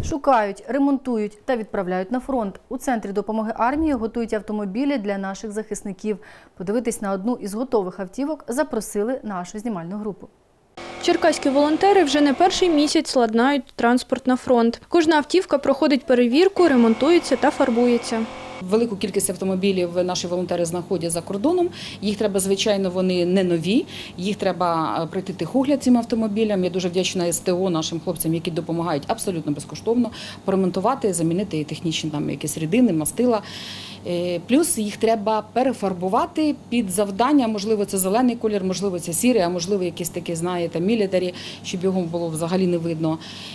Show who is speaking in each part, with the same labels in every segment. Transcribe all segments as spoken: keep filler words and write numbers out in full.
Speaker 1: Шукають, ремонтують та відправляють на фронт. У Центрі допомоги армії готують автомобілі для наших захисників. Подивитись на одну із готових автівок запросили нашу знімальну групу.
Speaker 2: Черкаські волонтери вже не перший місяць ладнають транспорт на фронт. Кожна автівка проходить перевірку, ремонтується та фарбується.
Speaker 3: Велику кількість автомобілів наші волонтери знаходять за кордоном. Їх треба, звичайно, вони не нові. Їх треба пройти техогляд цим автомобілям. Я дуже вдячна ес те о нашим хлопцям, які допомагають абсолютно безкоштовно поремонтувати, замінити технічні там якісь рідини, мастила. Плюс їх треба перефарбувати під завдання. Можливо, це зелений колір, можливо, це сірий, а можливо, якийсь такий, знаєте, мілітарі, щоб його було взагалі не видно.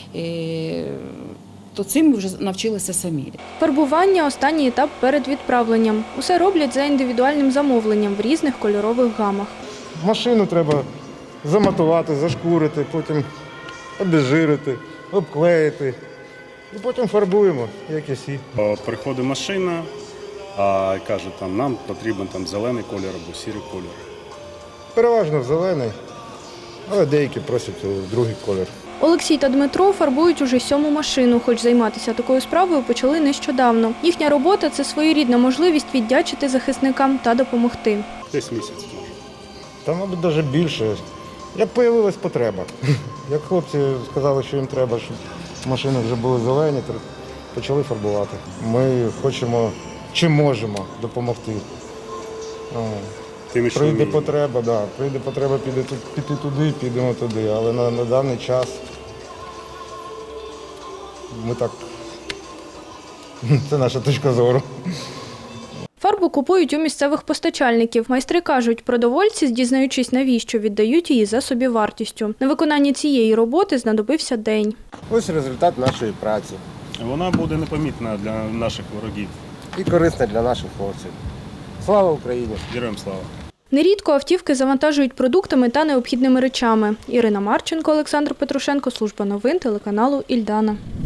Speaker 3: То цим ми вже навчилися самі.
Speaker 2: Фарбування – останній етап перед відправленням. Усе роблять за індивідуальним замовленням в різних кольорових гамах.
Speaker 4: Машину треба заматувати, зашкурити, потім обезжирити, обклеїти. І потім фарбуємо, як і всі.
Speaker 5: Приходить машина, а каже, там, нам потрібен там, зелений колір або сірий колір.
Speaker 4: Переважно зелений, але деякі просять другий колір.
Speaker 2: Олексій та Дмитро фарбують уже сьому машину, хоч займатися такою справою почали нещодавно. Їхня робота – це своєрідна можливість віддячити захисникам та допомогти.
Speaker 5: Десь місяць може.
Speaker 4: Та, мабуть, навіть більше. Як з'явилась потреба. Як хлопці сказали, що їм треба, щоб машини вже були зелені, то почали фарбувати. Ми хочемо, чи можемо допомогти.
Speaker 5: Тим, що
Speaker 4: Прийде
Speaker 5: ми...
Speaker 4: потреба, да, прийде потреба піти, піти туди, підемо туди, але на, на даний час ми так, це наша точка зору.
Speaker 2: Фарбу купують у місцевих постачальників. Майстри кажуть, продовольці, дізнаючись навіщо, віддають її за собівартістю. На виконанні цієї роботи знадобився день.
Speaker 4: Ось результат нашої праці.
Speaker 5: Вона буде непомітна для наших ворогів.
Speaker 4: І корисна для наших хлопців. Слава Україні!
Speaker 5: Героям слава!
Speaker 2: Нерідко автівки завантажують продуктами та необхідними речами. Ірина Марченко, Олександр Петрушенко, служба новин телеканалу «Ільдана».